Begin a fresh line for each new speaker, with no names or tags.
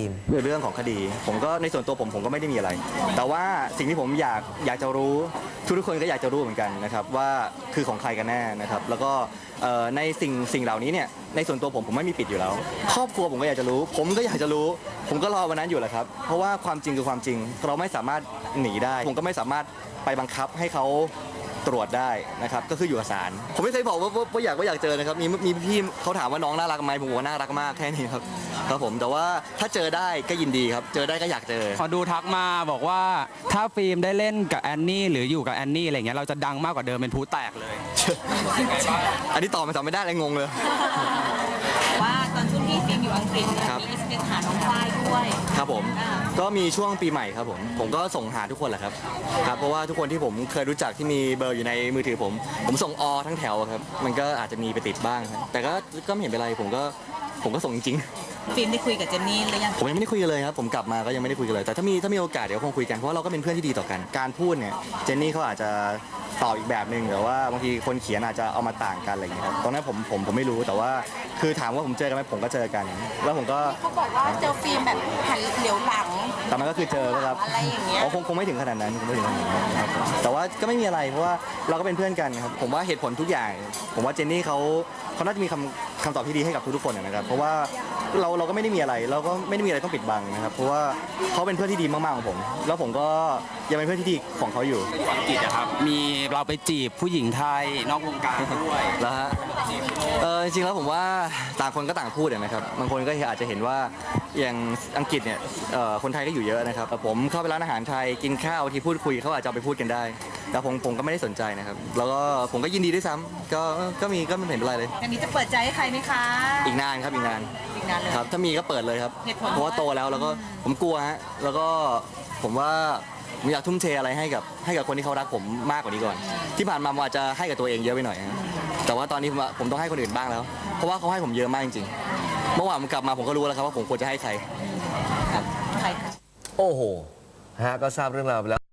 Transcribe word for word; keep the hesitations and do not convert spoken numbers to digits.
ล์ม
ในเรื่องของคดีผมก็ในส่วนตัวผมผมก็ไม่ได้มีอะไร แต่ว่าสิ่งที่ผมอยากอยากจะรู้ทุกทุกคนก็อยากจะรู้เหมือนกันนะครับว่าคือของใครกันแน่นะครับแล้วก็ในสิ่งสิ่งเหล่านี้เนี่ยในส่วนตัวผมผมไม่มีปิดอยู่แล้วครอบครัวผมก็อยากจะรู้ผมก็อยากจะรู้ผมก็รอวันนั้นอยู่แหละครับเพราะว่าความจริงคือความจริงเราไม่สามารถหนีได้ผมก็ไม่สามารถไปบังคับให้เขาตรวจได้นะครับก็คืออยู่กับศาลผมไม่เคยบอกว่าว่าอยากว่าอยากเจอนะครับมีมีพี่เขาถามว่าน้องน่ารักไหมผมบอกว่าน่ารักมากแค่นี้ครับครับผมแต่ว่าถ้าเจอได้ก็ยินดีครับเจอได้ก็อยากเจอ
ขอดูทักมาบอกว่าถ้าฟิล์มได้เล่นกับแอนนี่หรืออยู่กับแอนนี่อะไรเงี้ยเราจะดังมากกว่าเดิมเป็นผู้แตกเลย
อันนี้ตอบมาตอบไม่ได้เลยงงเลย
ว่าตอนช่วงที่ฟิล์มอยู่อังกฤษเนี่ยมีอินสเปกหาน้องฝ้ายด้วย
ครับผมก็มีช่วงปีใหม่ครับผมผมก็ส่งหาทุกคนแหละครับครับเพราะว่าทุกคนที่ผมเคยรู้จักที่มีเบอร์อยู่ในมือถือผมผมส่งอทั้งแถวครับมันก็อาจจะมีไปติดบ้างครับแต่ก็ก็ไม่เห็นเป็นไรผมก็ผมก็ส่งจริง
ฟิล์มได้คุยกับเจนนี่หรือยัง
ผมยังไม่ได้คุยกันเลยครับผมกลับมาก็ยังไม่ได้คุยกันเลยแต่ถ้ามีถ้ามีโอกาสเดี๋ยวคงคุยกันเพราะว่าเราก็เป็นเพื่อนที่ดีต่อกันการพูดเนี่ยเจนนี่เขาอาจจะตอบอีกแบบหนึ่งแต่ว่าบางทีคนเขียนอาจจะเอามาต่างกันอะไรอย่างเงี้ยครับตรงนั้นผมผมผมไม่รู้แต่ว่าคือถามว่าผมเจอกันไหมผมก็เจอกันแล้วผมก็
เขาบอกว่าเจอฟิล์มแบบหันเหลียวหลัง
แต่มันก็คือเจอครับ
อะไรอย่างเงี้ย
คงคงไม่ถึงขนาดนั้นคงไม่ถึงขนาดนั้นครับแต่ว่าก็ไม่มีอะไรเพราะว่าเราก็เป็นเพื่อนกันครับผมว่าเหตุผลทุกอย่างผมว่าเจนนี่เขาเขาน่าจะมีคำคำตอบที่ดีให้กับทุกๆคนนะครับเพราะว่าเราเราก็ไม่ได้มีอะไรเราก็ไม่ได้มีอะไรต้องปิดบังนะครับเพราะว่าเขาเป็นเพื่อนที่ดีมากๆของผมแล้วผมก็ยังเป็นเพื่อนที่ดีของเขาอยู่
อังกฤษนะครับมีเราไปจีบผู้หญิงไทยนอกวงการด้วย
แล้วฮะเออจริงๆแล้วผมว่าต่างคนก็ต่างพูดนะครับบางคนก็อาจจะเห็นว่าอย่างอังกฤษเนี่ยคนไทยก็อยู่เยอะนะครับผมเข้าไปร้านอาหารไทยกินข้าวที่พูดคุยเขาอาจจะไปพูดกันได้แต่ผมผมก็ไม่ได้สนใจนะครับแล้วก็ผมก็ยินดีด้วยซ้ำก็ก็มีก็ไม่เห็นเป็นไรเลย
อันนี้จะเปิดใจให้ใครไหมคะ
อีกนานครับอีกนาน
อีกนานเลย
ครับถ้ามีก็เปิดเลยครับเพราะว่าโตแล้วแล้วก็ผมกลัวฮะแล้วก็ผมว่าผมอยากทุ่มเทอะไรให้กับให้กับคนที่เขารักผมมากกว่านี้ก่อนที่ผ่านมาผมอาจจะให้กับตัวเองเยอะไปหน่อยแต่ว่าตอนนี้ผมผมต้องให้คนอื่นบ้างแล้วเพราะว่าเขาให้ผมเยอะมากจริงๆเมื่อวานผมกลับมาผมก็รู้แล้วครับว่าผมควรจะให้ใคร
ใคร
โอ้โหฮะก็ทราบเรื่องราวไปแล้ว